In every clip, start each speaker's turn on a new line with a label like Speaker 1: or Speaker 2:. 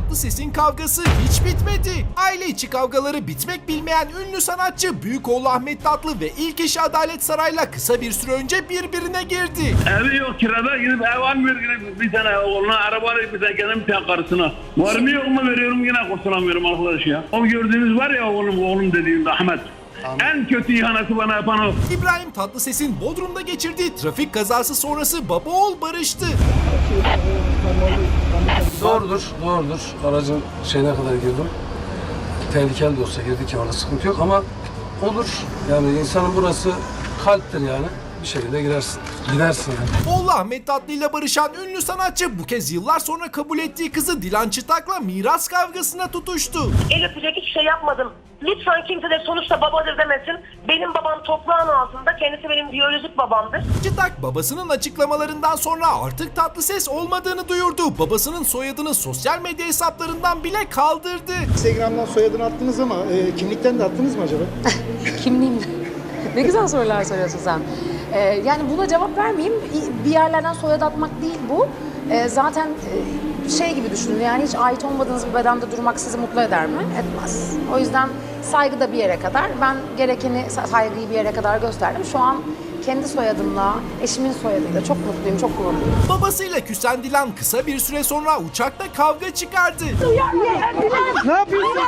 Speaker 1: Tatlıses'in kavgası hiç bitmedi. Aile içi kavgaları bitmek bilmeyen ünlü sanatçı büyük oğlu Ahmet Tatlı ve ilk eşi Adalet Saray'la kısa bir süre önce birbirine girdi.
Speaker 2: Evi yok kirada gidip ev almıyor yine bir tane oğluna araba alayım bir tane kendim tek karısına. Var mı yok mu veriyorum yine kurtulamıyorum arkadaş ya. O gördüğünüz var ya oğlum dediğimde Ahmet. En kötü ihaneti bana yapan o.
Speaker 1: İbrahim Tatlıses'in Bodrum'da geçirdiği trafik kazası sonrası baba oğul barıştı.
Speaker 3: Doğrudur. Aracın şeyine kadar girdim. Tehlikeli de olsa girdik ya, orada sıkıntı yok ama olur. Yani insanın burası kalptir yani. Bir şekilde gidersin yani.
Speaker 1: Oğlu Ahmet Tatlı ile barışan ünlü sanatçı bu kez yıllar sonra kabul ettiği kızı Dilan Çıtak'la miras kavgasına tutuştu.
Speaker 4: El öpecek hiçbir şey yapmadım. Lütfen kimse de sonuçta babadır demesin. Benim babam toprağın altında, kendisi benim biyolojik babamdır.
Speaker 1: Çıtak babasının açıklamalarından sonra artık Tatlıses olmadığını duyurdu. Babasının soyadını sosyal medya hesaplarından bile kaldırdı.
Speaker 5: Instagram'dan soyadını attınız ama kimlikten de attınız mı acaba?
Speaker 6: Kimliğim? Ne güzel sorular soruyorsun sen. Yani buna cevap vermeyeyim. Bir yerlerden soyad atmak değil bu. Zaten şey gibi düşünün, yani hiç ait olmadığınız bir bedende durmak sizi mutlu eder mi? Etmez. O yüzden saygı da bir yere kadar. Ben gerekeni, saygıyı bir yere kadar gösterdim. Şu an kendi soyadımla, eşimin soyadıyla çok mutluyum, çok gururluyum.
Speaker 1: Babasıyla küsen Dilan kısa bir süre sonra uçakta kavga çıkardı.
Speaker 5: Ne yapıyorsun?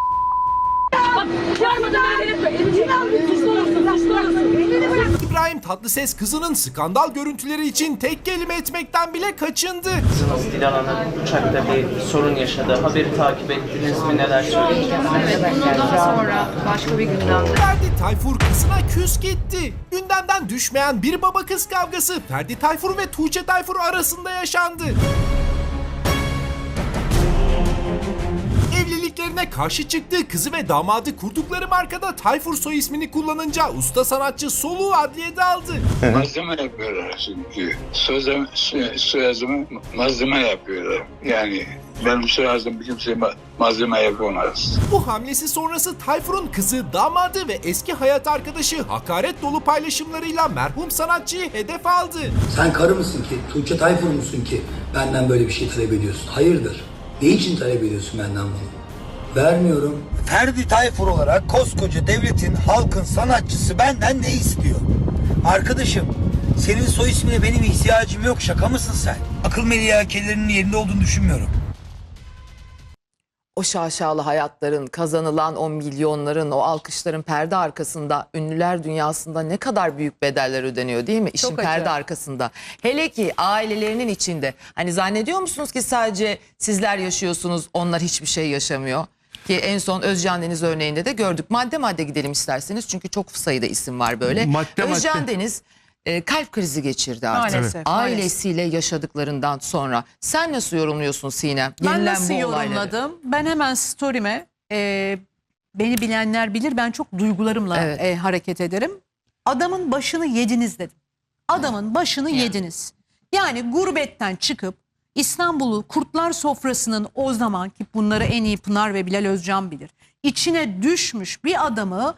Speaker 1: İbrahim Tatlıses kızının skandal görüntüleri için tek kelime etmekten bile kaçındı.
Speaker 7: Kızınız Dilan Hanım uçakta bir sorun yaşadı. Haberi takip ettiniz mi? Neler söyleyeceksiniz?
Speaker 8: Evet, bunu daha sonra başka bir gündemde.
Speaker 1: Ferdi Tayfur kızına küs gitti. Gündemden düşmeyen bir baba kız kavgası Ferdi Tayfur ve Tuğçe Tayfur arasında yaşandı. Evliliklerine karşı çıktığı kızı ve damadı kurdukları markada Tayfur soy ismini kullanınca usta sanatçı soluğu adliyede aldı.
Speaker 9: Malzeme yapıyorlar çünkü. Soyadımı malzeme yapıyorlar. Yani benim soyadım kimse malzeme yapamaz.
Speaker 1: Bu hamlesi sonrası Tayfur'un kızı, damadı ve eski hayat arkadaşı hakaret dolu paylaşımlarıyla merhum sanatçıyı hedef aldı.
Speaker 10: Sen karı mısın ki, Tuğçe Tayfur musun ki benden böyle bir şey talep ediyorsun? Hayırdır? Ne için talep ediyorsun benden bunu? Vermiyorum.
Speaker 11: Ferdi Tayfur olarak koskoca devletin, halkın sanatçısı benden ne istiyor? Arkadaşım, senin soy ismine benim ihtiyacım yok. Şaka mısın sen? Akıl melihakelerinin yerinde olduğunu düşünmüyorum.
Speaker 12: O şaşalı hayatların, kazanılan o milyonların, o alkışların perde arkasında, ünlüler dünyasında ne kadar büyük bedeller ödeniyor değil mi? İşin perde arkasında. Hele ki ailelerinin içinde. Hani zannediyor musunuz ki sadece sizler yaşıyorsunuz, onlar hiçbir şey yaşamıyor? Ki en son Özcan Deniz örneğinde de gördük. Madde madde gidelim isterseniz çünkü çok sayıda isim var böyle. Özcan Deniz kalp krizi geçirdi artık.
Speaker 8: Maalesef,
Speaker 12: Ailesiyle yaşadıklarından sonra. Sen nasıl yorumluyorsun Sinem?
Speaker 8: Ben nasıl yorumladım? Ben hemen story'me, beni bilenler bilir, ben çok duygularımla hareket ederim. Adamın başını yediniz dedim. Adamın başını yediniz. Yani gurbetten çıkıp İstanbul'u kurtlar sofrasının, o zaman ki bunları en iyi Pınar ve Bilal Özcan bilir, İçine düşmüş bir adamı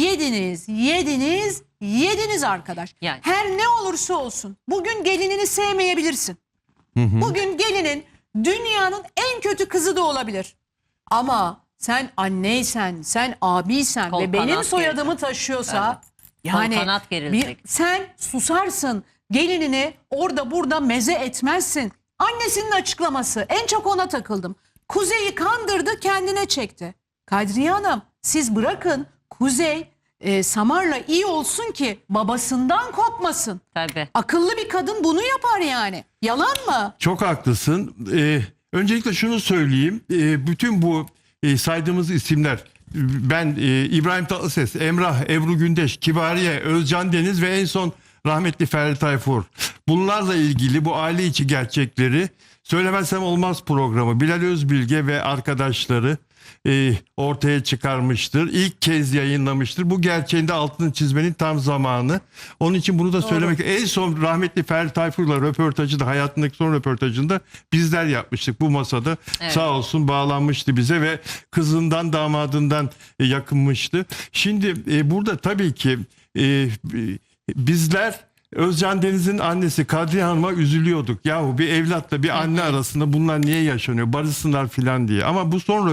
Speaker 8: yediniz arkadaş. Yani. Her ne olursa olsun bugün gelinini sevmeyebilirsin. Bugün gelinin dünyanın en kötü kızı da olabilir. Ama sen anneysen, sen abiysen ve benim soyadımı taşıyorsa yani sen susarsın, gelinini orada burada meze etmezsin. Annesinin açıklaması, en çok ona takıldım. Kuzey'i kandırdı, kendine çekti. Kadriye Hanım, siz bırakın Kuzey Samar'la iyi olsun ki babasından kopmasın.
Speaker 13: Tabii.
Speaker 8: Akıllı bir kadın bunu yapar yani. Yalan mı?
Speaker 14: Çok haklısın. Öncelikle şunu söyleyeyim. Bütün bu saydığımız isimler, ben İbrahim Tatlıses, Emrah, Ebru Gündeş, Kibariye, Özcan Deniz ve en son rahmetli Ferdi Tayfur. Bunlarla ilgili bu aile içi gerçekleri Söylemezsem Olmaz programı Bilal Özbilge ve arkadaşları ortaya çıkarmıştır. İlk kez yayınlamıştır. Bu gerçeğin de altını çizmenin tam zamanı. Onun için bunu da söylemek. En son rahmetli Ferdi Tayfur'la röportajı da, hayatındaki son röportajında bizler yapmıştık bu masada. Evet. Sağ olsun bağlanmıştı bize ve kızından damadından yakınmıştı. Şimdi burada tabii ki bizler Özcan Deniz'in annesi Kadriye Hanım'a üzülüyorduk. Yahu bir evlatla bir anne arasında bunlar niye yaşanıyor? Barışsınlar filan diye. Ama bu son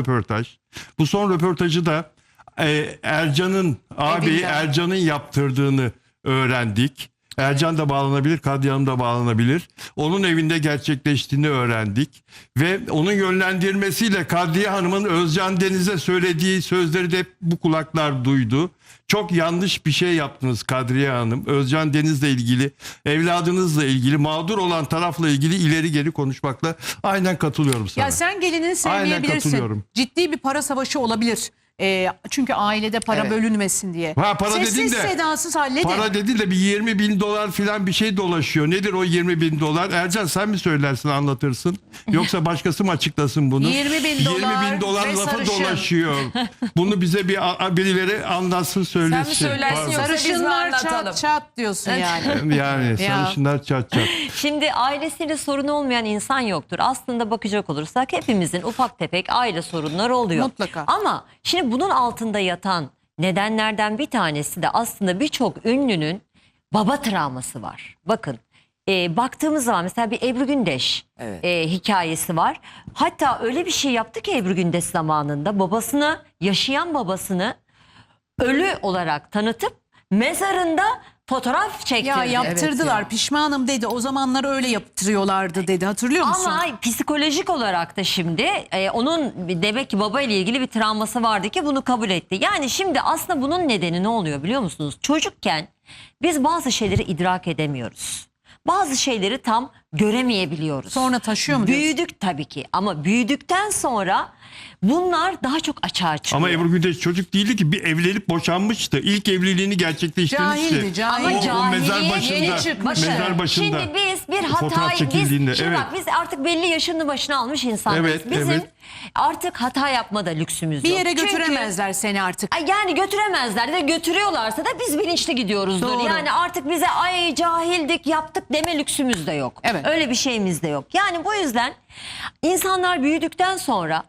Speaker 14: röportajı da Ercan'ın ağabeyi Ercan'ın yaptırdığını öğrendik. Ercan da bağlanabilir, Kadriye Hanım da bağlanabilir. Onun evinde gerçekleştiğini öğrendik. Ve onun yönlendirmesiyle Kadriye Hanım'ın Özcan Deniz'e söylediği sözleri de bu kulaklar duydu. Çok yanlış bir şey yaptınız Kadriye Hanım. Özcan Deniz'le ilgili, evladınızla ilgili, mağdur olan tarafla ilgili ileri geri konuşmakla aynen katılıyorum sana.
Speaker 8: Ya sen gelinini
Speaker 14: Aynen
Speaker 8: sevmeyebilirsin.
Speaker 14: katılıyorum.
Speaker 8: Ciddi bir para savaşı olabilir. Çünkü ailede para bölünmesin diye.
Speaker 14: Para
Speaker 8: Sessiz
Speaker 14: dedin de,
Speaker 8: sedasız halledin.
Speaker 14: para dedin de bir 20 bin dolar filan bir şey dolaşıyor. Nedir o 20 bin dolar? Ercan sen mi söylersin, anlatırsın? Yoksa başkası mı açıklasın bunu?
Speaker 8: 20 bin dolar
Speaker 14: 20 bin dolar
Speaker 8: ve
Speaker 14: lafı
Speaker 8: sarışın.
Speaker 14: dolaşıyor. Bunu bize birileri anlatsın, söylesin.
Speaker 13: Sen mi söylersin
Speaker 14: Pardon.
Speaker 13: yoksa biz mi
Speaker 8: Sarışınlar
Speaker 13: anlatalım?
Speaker 8: çat çat diyorsun yani.
Speaker 14: Yani
Speaker 8: Ya.
Speaker 14: sarışınlar çat çat.
Speaker 13: Şimdi ailesiyle sorunu olmayan insan yoktur. Aslında bakacak olursak hepimizin ufak tefek aile sorunları oluyor.
Speaker 8: Mutlaka.
Speaker 13: Ama şimdi bunun altında yatan nedenlerden bir tanesi de aslında birçok ünlünün baba travması var. Bakın baktığımız zaman mesela bir Ebru Gündeş hikayesi var. Hatta öyle bir şey yaptı ki Ebru Gündeş zamanında yaşayan babasını ölü olarak tanıtıp mezarında fotoğraf çektirdi.
Speaker 8: Ya yaptırdılar.
Speaker 12: Evet
Speaker 8: Pişmanım dedi. O zamanlar öyle yaptırıyorlardı dedi. Hatırlıyor musun?
Speaker 13: Ama psikolojik olarak da şimdi onun demek ki baba ile ilgili bir travması vardı ki bunu kabul etti. Yani şimdi aslında bunun nedeni ne oluyor biliyor musunuz? Çocukken biz bazı şeyleri idrak edemiyoruz. Bazı şeyleri tam göremeyebiliyoruz.
Speaker 8: Sonra taşıyor mu diyorsun?
Speaker 13: Büyüdük tabii ki ama büyüdükten sonra bunlar daha çok açığa çıkıyor.
Speaker 14: Ama Ebru Gündeş çocuk değildi ki, bir evlenip boşanmıştı. İlk evliliğini gerçekleştirmişti.
Speaker 8: Cahildi, cahil.
Speaker 13: Ama
Speaker 14: O mezar
Speaker 13: cahiliye
Speaker 14: başında.
Speaker 13: yeni çıkmış.
Speaker 14: Mezar başında.
Speaker 13: Şimdi biz bir
Speaker 14: Fotoğraf
Speaker 13: hatayı
Speaker 14: çekildiğinde,
Speaker 13: şimdi
Speaker 14: evet.
Speaker 13: bak biz artık belli yaşını başına almış insanlarız.
Speaker 14: Evet,
Speaker 13: Bizim
Speaker 14: evet.
Speaker 13: artık hata yapmada lüksümüz
Speaker 8: Bir
Speaker 13: yok.
Speaker 8: yere
Speaker 13: Çünkü-
Speaker 8: götüremezler seni artık.
Speaker 13: Yani götüremezler de götürüyorlarsa da biz bilinçli gidiyoruzdur.
Speaker 8: Doğru.
Speaker 13: Yani artık bize ay cahildik yaptık deme lüksümüz de yok.
Speaker 8: Evet.
Speaker 13: Öyle bir şeyimiz de yok. Yani bu yüzden insanlar büyüdükten sonra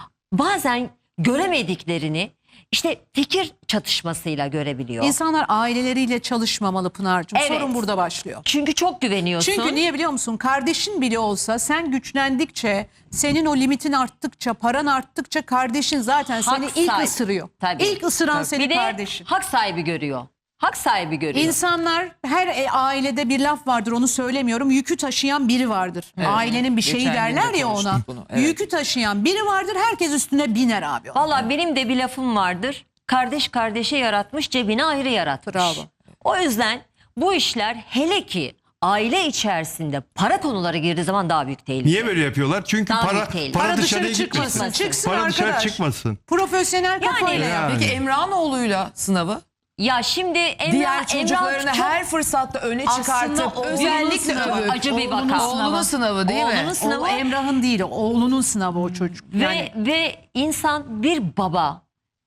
Speaker 13: bazen göremediklerini işte fikir çatışmasıyla görebiliyor.
Speaker 8: İnsanlar aileleriyle çalışmamalı Pınar'cığım.
Speaker 13: Evet.
Speaker 8: Sorun burada başlıyor.
Speaker 13: Çünkü çok güveniyorsun.
Speaker 8: Çünkü niye biliyor musun? Kardeşin bile olsa sen güçlendikçe, senin o limitin arttıkça, paran arttıkça kardeşin zaten seni
Speaker 13: Hak
Speaker 8: ilk
Speaker 13: sahibi.
Speaker 8: ısırıyor.
Speaker 13: Tabii.
Speaker 8: İlk ısıran
Speaker 13: Tabii.
Speaker 8: senin
Speaker 13: Bir de
Speaker 8: kardeşin.
Speaker 13: hak sahibi görüyor. Hak sahibi görüyor.
Speaker 8: İnsanlar her ailede bir laf vardır, onu söylemiyorum. Yükü taşıyan biri vardır. Ailenin bir şeyi
Speaker 12: Geçen gün de
Speaker 8: derler ya
Speaker 12: konuştuk
Speaker 8: ona.
Speaker 12: bunu, evet.
Speaker 8: Yükü taşıyan biri vardır, herkes üstüne biner abi.
Speaker 13: Valla benim de bir lafım vardır. Kardeş kardeşi yaratmış, cebine ayrı yaratmış.
Speaker 8: Bravo.
Speaker 13: O yüzden bu işler hele ki aile içerisinde para konuları girdiği zaman daha büyük tehlike.
Speaker 14: Niye böyle yapıyorlar? Çünkü
Speaker 13: Daha
Speaker 14: para
Speaker 13: büyük tehlike.
Speaker 14: para
Speaker 8: Para
Speaker 14: dışarıya
Speaker 8: dışarı çıkmasın.
Speaker 14: gitmesin.
Speaker 8: Çıksın
Speaker 14: Para dışarı
Speaker 8: arkadaş.
Speaker 14: çıkmasın.
Speaker 8: Profesyonel kafayla
Speaker 14: Yani.
Speaker 8: yap.
Speaker 12: Peki Emrah'ın oğluyla sınavı?
Speaker 13: Ya şimdi
Speaker 12: Diğer çocuklarını
Speaker 13: çok-
Speaker 12: her fırsatta öne
Speaker 8: Aslında
Speaker 12: çıkartıp
Speaker 8: oğlunun
Speaker 12: özellikle
Speaker 8: sınavı,
Speaker 12: övüp
Speaker 13: acı bir
Speaker 8: oğlunun
Speaker 13: vaka.
Speaker 8: sınavı.
Speaker 12: Oğlunun sınavı değil mi?
Speaker 13: Oğlunun sınavı.
Speaker 8: O Emrah'ın değil, oğlunun sınavı o çocuk. Yani
Speaker 13: Ve insan bir baba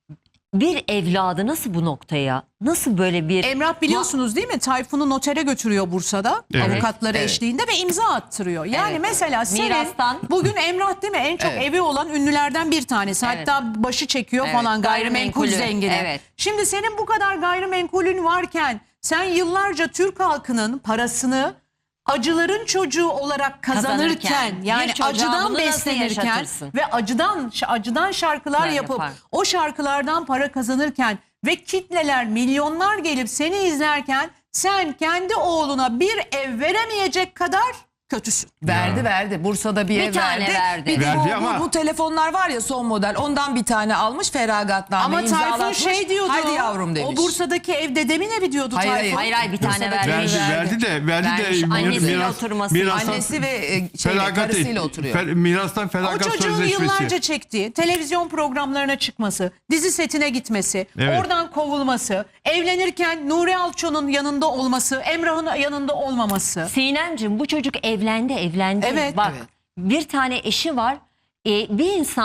Speaker 13: bir evladı nasıl bu noktaya, nasıl böyle bir...
Speaker 8: Emrah biliyorsunuz değil mi? Tayfun'u notere götürüyor Bursa'da.
Speaker 14: Evet.
Speaker 8: Avukatları
Speaker 12: Evet.
Speaker 8: eşliğinde ve imza attırıyor. Yani
Speaker 13: Evet.
Speaker 8: mesela senin
Speaker 13: Mirastan.
Speaker 8: bugün Emrah değil mi? En çok
Speaker 12: Evet.
Speaker 8: evi olan ünlülerden bir tanesi.
Speaker 13: Evet.
Speaker 8: Hatta başı çekiyor
Speaker 13: Evet.
Speaker 8: falan gayrimenkul
Speaker 13: Gayrimenkulü.
Speaker 8: zengini.
Speaker 13: Evet.
Speaker 8: Şimdi senin bu kadar gayrimenkulün varken sen yıllarca Türk halkının parasını acıların çocuğu olarak kazanırken,
Speaker 13: Kazanırken,
Speaker 8: yani
Speaker 13: bir çocuğa
Speaker 8: acıdan
Speaker 13: bunu nasıl
Speaker 8: beslenirken
Speaker 13: yaşatırsın?
Speaker 8: ve acıdan şarkılar
Speaker 13: Yani
Speaker 8: yapıp
Speaker 13: yapar.
Speaker 8: o şarkılardan para kazanırken ve kitleler, milyonlar gelip seni izlerken sen kendi oğluna bir ev veremeyecek kadar kötüsün.
Speaker 12: Verdi. Bursa'da bir
Speaker 13: Bir
Speaker 12: ev
Speaker 13: tane verdi.
Speaker 12: Bir de
Speaker 14: Verdi
Speaker 12: bu,
Speaker 14: ama-
Speaker 12: bu telefonlar var ya son model. Ondan bir tane almış feragatname
Speaker 8: Ama Tayfun
Speaker 12: imzalatmış.
Speaker 8: şey diyordu.
Speaker 12: Hadi yavrum demiş.
Speaker 8: O Bursa'daki ev dedemin evi diyordu
Speaker 12: Hayır,
Speaker 8: Tayfun.
Speaker 13: Hayır bir tane
Speaker 12: Bursa'daki
Speaker 13: vermiş.
Speaker 14: Verdi
Speaker 12: Vermiş.
Speaker 14: de
Speaker 13: Annesiyle oturması.
Speaker 12: Annesi ve karısıyla oturuyor.
Speaker 14: Mirastan
Speaker 8: O
Speaker 14: feragat
Speaker 8: çocuğun
Speaker 14: sözleşmesi.
Speaker 8: yıllarca çektiği televizyon programlarına çıkması, dizi setine gitmesi,
Speaker 14: Evet.
Speaker 8: oradan kovulması, evlenirken Nuri Alço'nun yanında olması, Emrah'ın yanında olmaması.
Speaker 13: Sinemciğim bu çocuk evlendi.
Speaker 8: Evet.
Speaker 13: Bak
Speaker 12: Evet.
Speaker 13: bir tane eşi var. Bir insan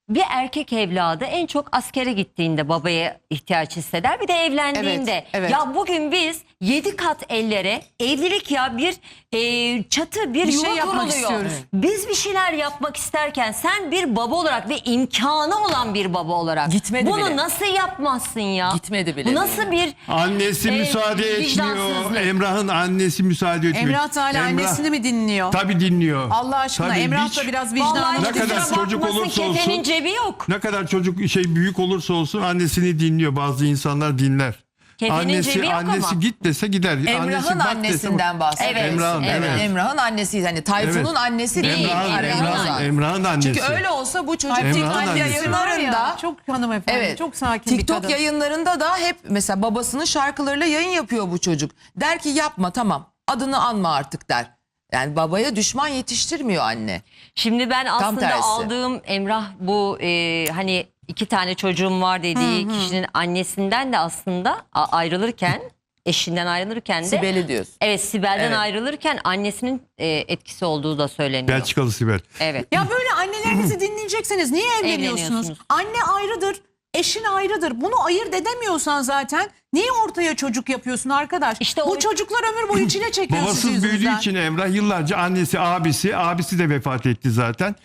Speaker 13: bir erkek evladı en çok askere gittiğinde babaya ihtiyaç hisseder. Bir de evlendiğinde.
Speaker 12: Evet, evet.
Speaker 13: Ya bugün biz 7 kat ellere evlilik ya bir çatı bir
Speaker 8: Bir
Speaker 13: yuva
Speaker 8: şey yapmak
Speaker 13: kuruluyor.
Speaker 8: istiyoruz.
Speaker 13: Biz bir şeyler yapmak isterken sen bir baba olarak ve imkanı olan bir baba olarak
Speaker 12: Gitmedi
Speaker 13: bunu
Speaker 12: bile.
Speaker 13: nasıl yapmazsın ya?
Speaker 12: Gitmedi bile.
Speaker 13: Bu nasıl bir
Speaker 14: Annesi müsaade etmiyor.
Speaker 13: vicdansızlık?
Speaker 14: Emrah'ın annesi müsaade etmiyor.
Speaker 8: Emrah da hala annesini mi dinliyor?
Speaker 14: Tabii dinliyor.
Speaker 8: Allah aşkına
Speaker 14: Tabii,
Speaker 8: Emrah da
Speaker 14: hiç-
Speaker 8: biraz
Speaker 13: Vallahi
Speaker 8: vicdanlı.
Speaker 14: Ne
Speaker 13: hiç
Speaker 14: kadar
Speaker 13: kusura
Speaker 14: çocuk
Speaker 13: bakmasın,
Speaker 14: olursa
Speaker 13: kefenin
Speaker 14: olsun-
Speaker 13: cebi yok.
Speaker 14: Ne kadar çocuk büyük olursa olsun annesini dinliyor. Bazı insanlar dinler.
Speaker 13: Kefenin cebi yok
Speaker 14: annesi
Speaker 13: ama.
Speaker 14: git dese gider.
Speaker 12: Emrah'ın
Speaker 14: bak
Speaker 12: annesinden bahsediyoruz.
Speaker 13: Evet,
Speaker 14: Emrah'ın, evet.
Speaker 12: Emrah'ın annesi, hani Tayfun'un
Speaker 14: Evet.
Speaker 12: annesi değil.
Speaker 14: Emrah'ın annesi.
Speaker 12: Çünkü öyle olsa bu çocuk
Speaker 14: Emrah'ın
Speaker 12: TikTok
Speaker 14: annesi.
Speaker 12: yayınlarında,
Speaker 8: Çok hanımefendi,
Speaker 12: evet,
Speaker 8: çok sakin bir
Speaker 12: TikTok
Speaker 8: kadın.
Speaker 12: yayınlarında da hep mesela babasının şarkılarıyla yayın yapıyor bu çocuk. Der ki yapma, tamam, adını anma artık der. Yani babaya düşman yetiştirmiyor anne.
Speaker 13: Şimdi ben aslında
Speaker 12: tersi.
Speaker 13: aldığım Emrah bu hani 2 tane çocuğum var dediği kişinin annesinden de aslında ayrılırken, eşinden ayrılırken de
Speaker 12: Sibel'i diyorsun.
Speaker 13: Evet, Sibel'den
Speaker 12: Evet.
Speaker 13: ayrılırken annesinin etkisi olduğu da söyleniyor.
Speaker 14: Belçikalı Sibel.
Speaker 13: Evet.
Speaker 8: Ya böyle annelerinizi dinleyecekseniz niye evleniyorsunuz?
Speaker 13: Evleniyorsunuz.
Speaker 8: Anne ayrıdır, eşin ayrıdır. Bunu ayırt edemiyorsan zaten niye ortaya çocuk yapıyorsun arkadaş?
Speaker 13: İşte
Speaker 8: bu
Speaker 13: o-
Speaker 8: çocuklar ömür boyu çile çekiyor sizin
Speaker 14: Babasız büyüdüğü
Speaker 8: yüzünüzden.
Speaker 14: için Emrah yıllarca abisi de vefat etti zaten.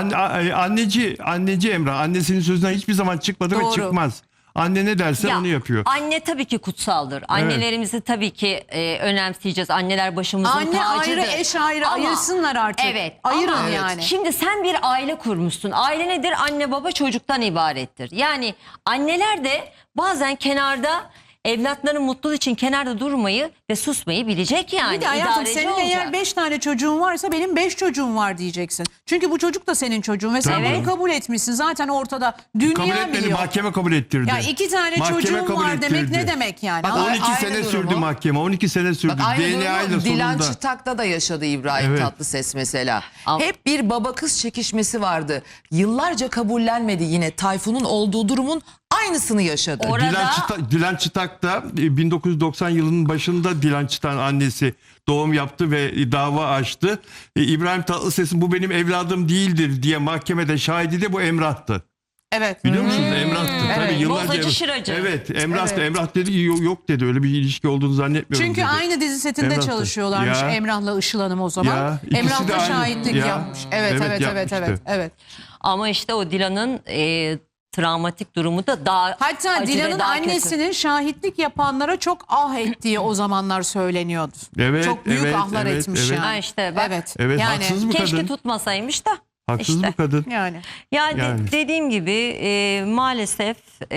Speaker 14: Anneci Emrah annesinin sözünden hiçbir zaman çıkmadı
Speaker 8: Doğru.
Speaker 14: ve çıkmaz. Anne ne derse
Speaker 13: Ya,
Speaker 14: onu yapıyor.
Speaker 13: Anne tabii ki kutsaldır. Annelerimizi tabii ki önemseyeceğiz. Anneler başımızın
Speaker 8: Anne
Speaker 13: tacıdır.
Speaker 8: ayrı, eş ayrı,
Speaker 13: Ama-
Speaker 8: ayırsınlar artık.
Speaker 13: Evet.
Speaker 8: Ayırın
Speaker 13: ama
Speaker 8: yani.
Speaker 13: Şimdi sen bir aile kurmuşsun. Aile nedir? Anne baba çocuktan ibarettir. Yani anneler de bazen kenarda evlatların mutluluğu için kenarda durmayı ve susmayı bilecek yani.
Speaker 8: Bir de hayatım
Speaker 13: İdareci
Speaker 8: senin
Speaker 13: olacak.
Speaker 8: eğer 5 tane çocuğun varsa benim 5 çocuğum var diyeceksin. Çünkü bu çocuk da senin çocuğun ve sen
Speaker 14: Tabii.
Speaker 8: bunu kabul etmişsin. Zaten ortada dünya
Speaker 14: Kabul etmedi,
Speaker 8: biliyor.
Speaker 14: mahkeme kabul ettirdi.
Speaker 8: Ya 2 tane
Speaker 14: Mahkeme
Speaker 8: çocuğum
Speaker 14: kabul
Speaker 8: var demek
Speaker 14: ettirdi.
Speaker 8: ne demek yani?
Speaker 12: Bak,
Speaker 8: Ama
Speaker 14: 12
Speaker 12: Aynı
Speaker 14: sene
Speaker 12: durumu-
Speaker 14: sürdü mahkeme. 12 sene sürdü.
Speaker 12: Bak, aynı
Speaker 14: DNA ile
Speaker 12: durumu Dilan
Speaker 14: sonunda.
Speaker 12: Çıtak'ta da yaşadı İbrahim
Speaker 14: Evet.
Speaker 12: Tatlıses mesela.
Speaker 13: Ama-
Speaker 12: Hep bir baba kız çekişmesi vardı. Yıllarca kabullenmedi, yine Tayfun'un olduğu durumun aynısını yaşadı.
Speaker 13: Orada-
Speaker 14: Dilan Çıtak da 1990 yılının başında Dilan Çıtak'ın annesi doğum yaptı ve dava açtı. İbrahim Tatlıses'in bu benim evladım değildir diye mahkemede şahidi de bu Emrah'tı.
Speaker 8: Evet.
Speaker 14: Biliyor musunuz? Emrah'tı.
Speaker 8: Evet.
Speaker 14: Tabii yıllarca.
Speaker 13: Bozacı şıracı.
Speaker 14: Evet, Emrah'tı.
Speaker 8: Evet.
Speaker 14: Emrah dedi yok dedi. Öyle bir ilişki olduğunu zannetmiyorum
Speaker 8: Çünkü
Speaker 14: dedi.
Speaker 8: aynı dizi setinde
Speaker 14: Emrah'tı.
Speaker 8: çalışıyorlarmış
Speaker 14: Ya.
Speaker 8: Emrah'la Işıl Hanım o zaman.
Speaker 14: Ya, ikisi
Speaker 8: Emrah
Speaker 14: de
Speaker 8: da
Speaker 14: aynı.
Speaker 8: şahitlik
Speaker 14: Ya.
Speaker 8: yapmış. Evet
Speaker 14: Evet,
Speaker 8: evet evet
Speaker 14: yapmıştı.
Speaker 8: evet.
Speaker 13: Ama işte o Dilan'ın travmatik durumu da daha
Speaker 8: Hatta
Speaker 13: acı ve
Speaker 8: Dilan'ın
Speaker 13: daha kötü.
Speaker 8: annesinin şahitlik yapanlara çok ah ettiği o zamanlar söyleniyordu.
Speaker 14: Evet,
Speaker 8: Çok büyük
Speaker 14: evet,
Speaker 8: ahlar
Speaker 14: evet,
Speaker 8: etmiş
Speaker 14: evet.
Speaker 8: yani.
Speaker 13: Ha işte bak.
Speaker 8: Evet.
Speaker 14: Evet,
Speaker 8: yani,
Speaker 14: haksız bu
Speaker 13: Keşke
Speaker 14: kadın.
Speaker 13: tutmasaymış da.
Speaker 14: Haksız
Speaker 13: işte.
Speaker 14: bu kadın.
Speaker 8: Yani.
Speaker 13: Yani dediğim gibi maalesef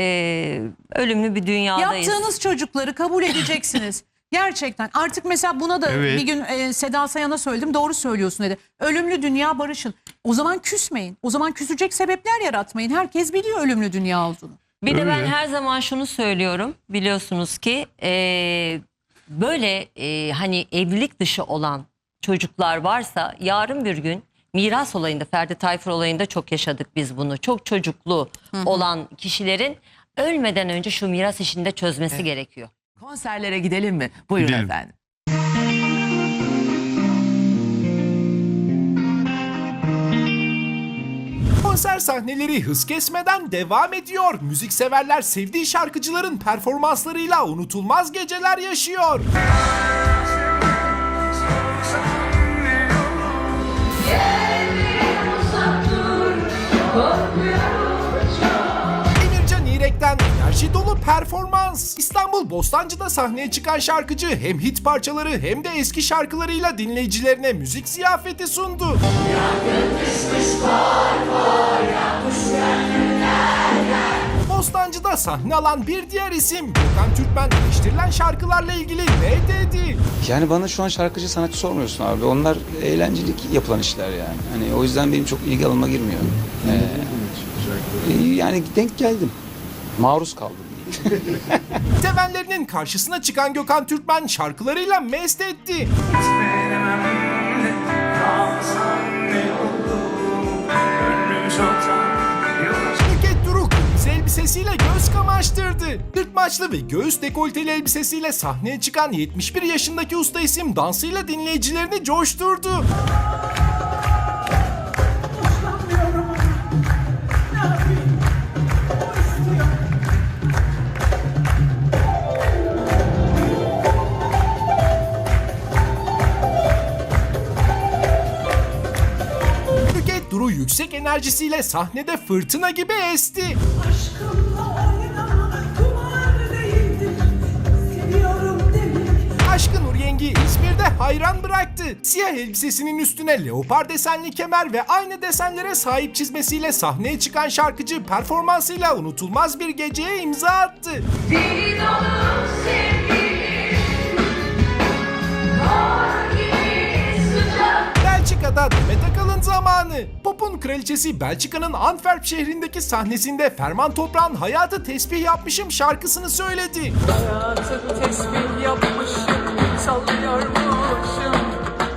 Speaker 13: ölümlü bir dünyadayız.
Speaker 8: Yaptığınız çocukları kabul edeceksiniz. Gerçekten. Artık mesela buna da
Speaker 14: Evet.
Speaker 8: bir gün Seda Sayan'a söyledim. Doğru söylüyorsun dedi. Ölümlü dünya barışın. O zaman küsmeyin. O zaman küsecek sebepler yaratmayın. Herkes biliyor ölümlü dünya olduğunu.
Speaker 13: Bir de ben
Speaker 14: Öyle.
Speaker 13: her zaman şunu söylüyorum. Biliyorsunuz ki böyle hani evlilik dışı olan çocuklar varsa yarın bir gün miras olayında, Ferdi Tayfur olayında çok yaşadık biz bunu. Çok çocuklu olan kişilerin ölmeden önce şu miras işini de çözmesi gerekiyor.
Speaker 12: Konserlere gidelim mi? Buyurun
Speaker 14: Gidelim.
Speaker 12: efendim.
Speaker 1: Konser sahneleri hız kesmeden devam ediyor. Müzikseverler sevdiği şarkıcıların performanslarıyla unutulmaz geceler yaşıyor. Emircan İrek'ten enerji dolu performans. İstanbul Bostancı'da sahneye çıkan şarkıcı hem hit parçaları hem de eski şarkılarıyla dinleyicilerine müzik ziyafeti sundu. Bostancı'da sahne alan bir diğer isim Gökhan Türkmen eleştirilen şarkılarla ilgili ne dedi?
Speaker 15: Yani bana şu an şarkıcı sanatçı sormuyorsun abi. Onlar eğlencelik yapılan işler yani. Hani o yüzden benim çok ilgi alanıma girmiyor. Yani denk geldim. Maruz kaldım.
Speaker 1: Sevenlerinin karşısına çıkan Gökhan Türkmen şarkılarıyla mest etti. Nükhet Duru kırmızı elbisesiyle göz kamaştırdı. Kırkmaçlı ve göğüs dekolteli elbisesiyle sahneye çıkan 71 yaşındaki usta isim dansıyla dinleyicilerini coşturdu. enerjisiyle sahnede fırtına gibi esti. Aşkın Nur Yengi İzmir'de hayran bıraktı. Siyah elbisesinin üstüne leopar desenli kemer ve aynı desenlere sahip çizmesiyle sahneye çıkan şarkıcı performansıyla unutulmaz bir geceye imza attı. Belçika'da Demet Akalın zamanı. Pop'un kraliçesi Belçika'nın Antwerp şehrindeki sahnesinde Ferman Toprak'ın Hayatı Tesbih Yapmışım şarkısını söyledi.
Speaker 16: Hayatı tesbih yapmışım, sallıyormuşum.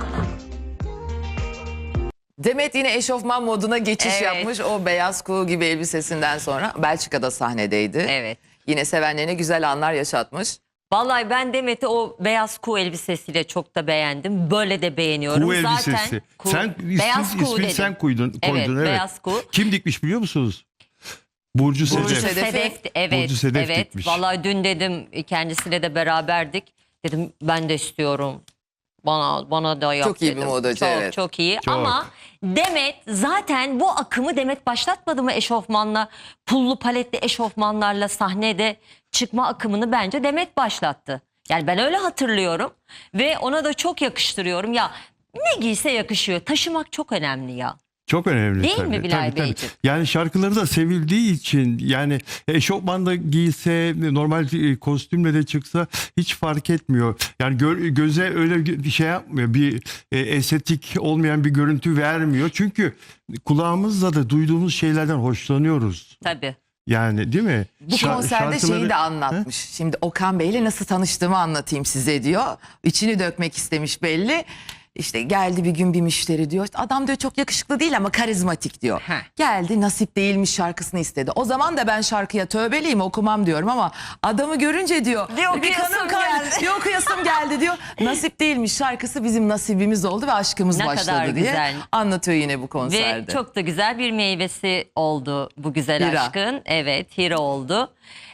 Speaker 12: Demet yine eşofman moduna geçiş yapmış. O beyaz kuğu gibi elbisesinden sonra Belçika'da sahnedeydi.
Speaker 13: Evet.
Speaker 12: Yine sevenlerine güzel anlar yaşatmış.
Speaker 13: Vallahi ben Demet'i o beyaz kuğu elbisesiyle çok da beğendim. Böyle de beğeniyorum.
Speaker 14: Kuğu
Speaker 13: Zaten
Speaker 14: elbisesi.
Speaker 13: kuğu,
Speaker 14: Sen
Speaker 13: beyaz kuğu
Speaker 14: ismini
Speaker 13: dedim.
Speaker 14: sen koydun.
Speaker 13: Evet, beyaz kuğu.
Speaker 14: Kim dikmiş biliyor musunuz? Burcu Sedef.
Speaker 13: Sedef, evet,
Speaker 14: Burcu Sedef
Speaker 13: evet.
Speaker 14: dikmiş.
Speaker 13: Vallahi dün dedim kendisiyle de beraberdik. Dedim ben de istiyorum. Bana da yap
Speaker 12: Çok iyi bir
Speaker 13: dedim.
Speaker 12: modacı,
Speaker 13: Çok,
Speaker 12: evet.
Speaker 13: Çok iyi
Speaker 14: Çok.
Speaker 13: ama Demet zaten bu akımı Demet başlatmadı mı eşofmanla, pullu paletli eşofmanlarla sahnede çıkma akımını bence Demet başlattı. Yani ben öyle hatırlıyorum ve ona da çok yakıştırıyorum. Ya ne giyse yakışıyor. Taşımak çok önemli ya.
Speaker 14: Çok önemli.
Speaker 13: Değil
Speaker 14: tabii.
Speaker 13: mi Bilal
Speaker 14: Tabii, tabii.
Speaker 13: Beyciğim?
Speaker 14: Yani şarkıları da sevildiği için yani eşofman da giyse normal kostümle de çıksa hiç fark etmiyor. Yani göze öyle bir şey yapmıyor. Bir estetik olmayan bir görüntü vermiyor. Çünkü kulağımızla da duyduğumuz şeylerden hoşlanıyoruz.
Speaker 13: Tabii.
Speaker 14: Yani değil mi?
Speaker 12: Bu konserde şeyi de anlatmış. Şimdi Okan Bey'le nasıl tanıştığımı anlatayım size diyor. İçini dökmek istemiş belli. İşte geldi bir gün bir müşteri diyor. Adam diyor çok yakışıklı değil ama karizmatik diyor. Geldi Nasip Değilmiş şarkısını istedi. O zaman da ben şarkıya tövbeliyim okumam diyorum ama adamı görünce diyor. Bir kanım geldi. Bir okuyasım geldi diyor. Nasip Değilmiş şarkısı bizim nasibimiz oldu ve aşkımız
Speaker 13: Ne
Speaker 12: başladı
Speaker 13: kadar
Speaker 12: diye
Speaker 13: güzel.
Speaker 12: anlatıyor yine bu konserde.
Speaker 13: Ve çok da güzel bir meyvesi oldu bu güzel
Speaker 12: Hira.
Speaker 13: aşkın. Evet, Hira oldu.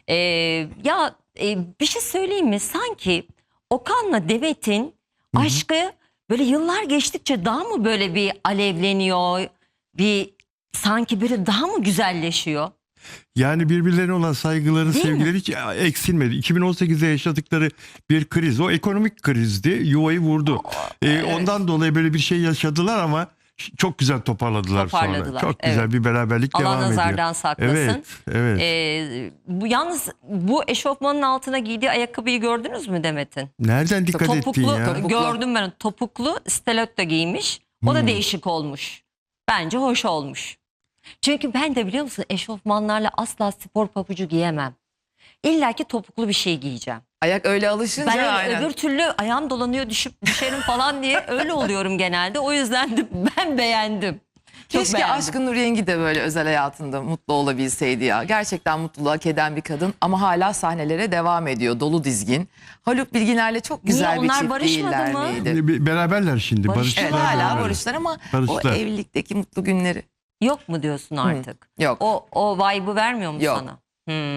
Speaker 13: Bir şey söyleyeyim mi? Sanki Okan'la Demet'in aşkı böyle yıllar geçtikçe daha mı böyle bir alevleniyor? Sanki böyle daha mı güzelleşiyor?
Speaker 14: Yani birbirlerine olan saygıları,
Speaker 13: Değil
Speaker 14: sevgileri hiç eksilmedi. 2018'de yaşadıkları bir kriz. O ekonomik krizdi. Yuvayı vurdu. Ondan dolayı böyle bir şey yaşadılar ama çok güzel toparladılar sonra. Çok güzel bir beraberlik
Speaker 13: Allah
Speaker 14: devam ediyor.
Speaker 13: nazardan saklasın.
Speaker 14: Evet.
Speaker 13: Yalnız bu eşofmanın altına giydiği ayakkabıyı gördünüz mü Demet'in?
Speaker 14: Nereden dikkat ettin ya?
Speaker 13: Gördüm ben. Topuklu stiletto giymiş. O da değişik olmuş. Bence hoş olmuş. Çünkü ben de biliyor musun eşofmanlarla asla spor pabucu giyemem. İlla ki topuklu bir şey giyeceğim.
Speaker 12: Ayak öyle alışınca
Speaker 13: Ben
Speaker 12: aynen.
Speaker 13: öbür türlü ayağım dolanıyor düşerim falan diye öyle oluyorum genelde. O yüzden de ben beğendim. Çok
Speaker 12: Keşke
Speaker 13: beğendim.
Speaker 12: Aşkın Nur Yengi de böyle özel hayatında mutlu olabilseydi ya. Gerçekten mutluluğu hak eden bir kadın ama hala sahnelere devam ediyor. Dolu dizgin. Haluk Bilginer'le çok güzel
Speaker 13: Niye?
Speaker 12: bir
Speaker 13: Onlar
Speaker 12: çift
Speaker 13: barışmadı
Speaker 12: değiller
Speaker 13: mı?
Speaker 12: miydi?
Speaker 14: Beraberler şimdi.
Speaker 13: Barıştılar.
Speaker 12: Evet
Speaker 14: Barıştılar.
Speaker 12: hala
Speaker 14: beraber.
Speaker 12: barışlar ama
Speaker 14: Barıştılar.
Speaker 12: o evlilikteki mutlu günleri.
Speaker 13: Yok mu diyorsun artık?
Speaker 12: Yok.
Speaker 13: O vibe'ı vermiyor mu
Speaker 12: Yok.
Speaker 13: sana?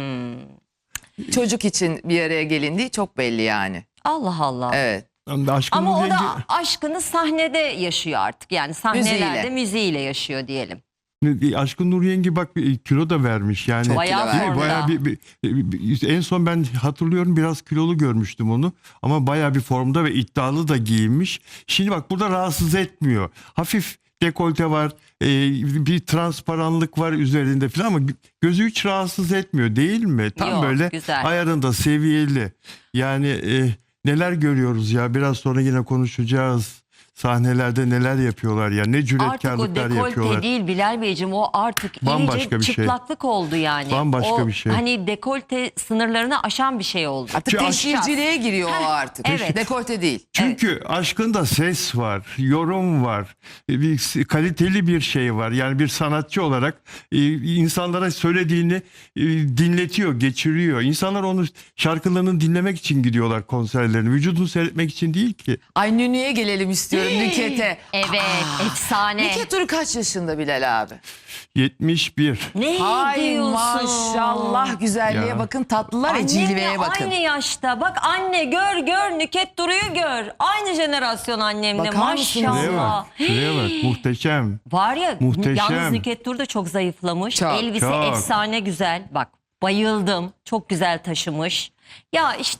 Speaker 12: Çocuk için bir araya gelindiği çok belli yani.
Speaker 13: Allah Allah.
Speaker 12: Evet.
Speaker 14: Aşkın
Speaker 13: Ama
Speaker 14: Nur
Speaker 13: o da
Speaker 14: Yengi-
Speaker 13: aşkını sahnede yaşıyor artık. Yani sahnelerde müziğiyle yaşıyor diyelim.
Speaker 14: Aşkın Nur Yengi bak kilo da vermiş yani.
Speaker 13: Bayağı
Speaker 14: Değil mi?
Speaker 13: formda.
Speaker 14: Bayağı en son ben hatırlıyorum biraz kilolu görmüştüm onu ama bayağı bir formda ve iddialı da giyinmiş. Şimdi bak burada rahatsız etmiyor. Hafif dekolte var, bir transparanlık var üzerinde falan ama gözü hiç rahatsız etmiyor değil mi? Tam
Speaker 13: Yok,
Speaker 14: böyle
Speaker 13: güzel.
Speaker 14: ayarında, seviyeli. Yani neler görüyoruz ya biraz sonra yine konuşacağız. Sahnelerde neler yapıyorlar ya ne
Speaker 13: Artık o
Speaker 14: cüretkarlıklar
Speaker 13: dekolte
Speaker 14: yapıyorlar.
Speaker 13: değil Bilal Beyciğim, o artık
Speaker 14: Bambaşka
Speaker 13: iyice
Speaker 14: bir şey.
Speaker 13: çıplaklık oldu yani.
Speaker 14: Bambaşka
Speaker 13: o,
Speaker 14: bir şey.
Speaker 13: Hani dekolte sınırlarını aşan bir şey oldu.
Speaker 12: Artık teşhirciliğe giriyor o artık.
Speaker 13: evet.
Speaker 12: Dekolte değil.
Speaker 14: Çünkü aşkında ses var, yorum var, bir kaliteli bir şey var. Yani bir sanatçı olarak insanlara söylediğini dinletiyor, geçiriyor. İnsanlar onu şarkılarını dinlemek için gidiyorlar konserlerine. Vücudunu seyretmek için değil ki.
Speaker 12: Ay Nünü'ye gelelim istiyorum ediyorum Nüket'e.
Speaker 13: Evet, efsane.
Speaker 12: Nüket Duru kaç yaşında Bilal abi?
Speaker 14: 71.
Speaker 13: Ne
Speaker 12: Hay
Speaker 13: diyorsun?
Speaker 12: maşallah, güzelliğe
Speaker 14: Ya.
Speaker 12: bakın, tatlılar ve
Speaker 13: Annemle
Speaker 12: cilveye bakın.
Speaker 13: aynı yaşta. Bak anne gör Nüket Duru'yu gör. Aynı jenerasyon annemle
Speaker 12: Bakar mısınız?
Speaker 14: Şuraya
Speaker 13: maşallah.
Speaker 14: bak. Şuraya bak. Muhteşem.
Speaker 13: Var ya
Speaker 14: Muhteşem.
Speaker 13: yalnız Nüket Duru da çok zayıflamış.
Speaker 12: Çok,
Speaker 13: Elbise
Speaker 14: çok.
Speaker 13: efsane güzel. Bak bayıldım. Çok güzel taşımış. Ya işte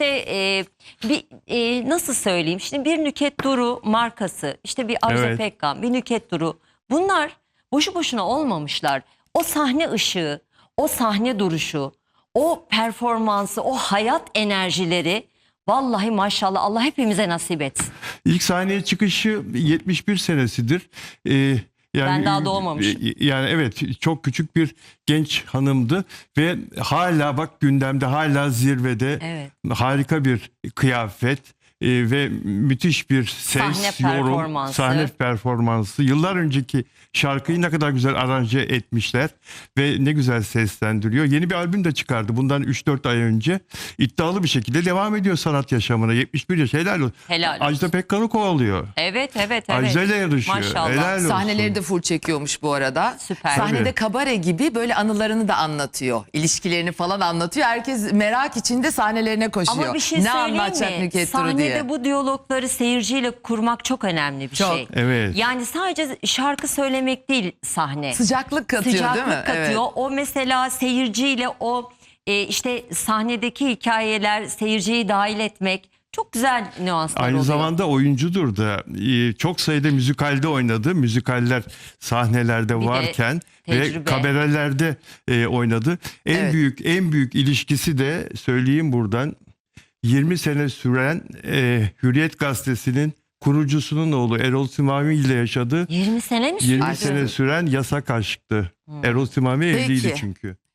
Speaker 13: nasıl söyleyeyim? Şimdi bir Nüket Duru markası, işte bir Arzu
Speaker 14: Evet.
Speaker 13: Pekkan, bir Nüket Duru. Bunlar boşu boşuna olmamışlar. O sahne ışığı, o sahne duruşu, o performansı, o hayat enerjileri vallahi maşallah Allah hepimize nasip etsin.
Speaker 14: İlk sahneye çıkışı 71 senesidir. Yani,
Speaker 13: Ben daha doğmamışım.
Speaker 14: Yani evet, çok küçük bir genç hanımdı ve hala bak gündemde, hala zirvede.
Speaker 13: Evet.
Speaker 14: Harika bir kıyafet ve müthiş bir ses,
Speaker 13: Sahne
Speaker 14: yorum,
Speaker 13: performansı.
Speaker 14: sahne performansı. Yıllar önceki şarkıyı ne kadar güzel aranje etmişler ve ne güzel seslendiriyor. Yeni bir albüm de çıkardı bundan 3-4 ay önce. İddialı bir şekilde devam ediyor sanat yaşamına. 71 yaş, helal olsun.
Speaker 13: Helal olsun.
Speaker 14: Ajda Pekkan'ı kovalıyor.
Speaker 13: Evet.
Speaker 14: Ajda ile yarışıyor.
Speaker 13: Maşallah.
Speaker 14: Helal olsun.
Speaker 12: Sahneleri de full çekiyormuş bu arada.
Speaker 13: Süper.
Speaker 12: Sahnede
Speaker 14: Tabii.
Speaker 12: kabare gibi böyle anılarını da anlatıyor. İlişkilerini falan anlatıyor. Herkes merak içinde sahnelerine koşuyor.
Speaker 13: Ama bir şey
Speaker 12: ne
Speaker 13: söyleyeyim
Speaker 12: anlatacak
Speaker 13: mi?
Speaker 12: Nüket Duru
Speaker 13: Sahnede
Speaker 12: diye.
Speaker 13: bu diyalogları seyirciyle kurmak çok önemli bir
Speaker 12: Çok.
Speaker 13: şey.
Speaker 14: Evet.
Speaker 13: Yani sadece şarkı söylemek değil sahne.
Speaker 12: Sıcaklık katıyor değil mi?
Speaker 13: Sıcaklık katıyor.
Speaker 12: Evet.
Speaker 13: O mesela seyirciyle o işte sahnedeki hikayeler, seyirciyi dahil etmek çok güzel nüanslar
Speaker 14: Aynı
Speaker 13: oluyor.
Speaker 14: zamanda oyuncudur da. Çok sayıda müzikalde oynadı. Müzikaller sahnelerde
Speaker 13: Bir de
Speaker 14: varken ve
Speaker 13: tecrübe.
Speaker 14: kabarelerde oynadı.
Speaker 12: Evet.
Speaker 14: En büyük ilişkisi de söyleyeyim buradan, 20 sene süren Hürriyet Gazetesi'nin kurucusunun oğlu Erol Simavi ile yaşadı.
Speaker 13: 20 sene mi sürdü?
Speaker 14: 20 sene süren yasak aşktı. Erol Simavi evliydi
Speaker 12: Peki.
Speaker 14: çünkü.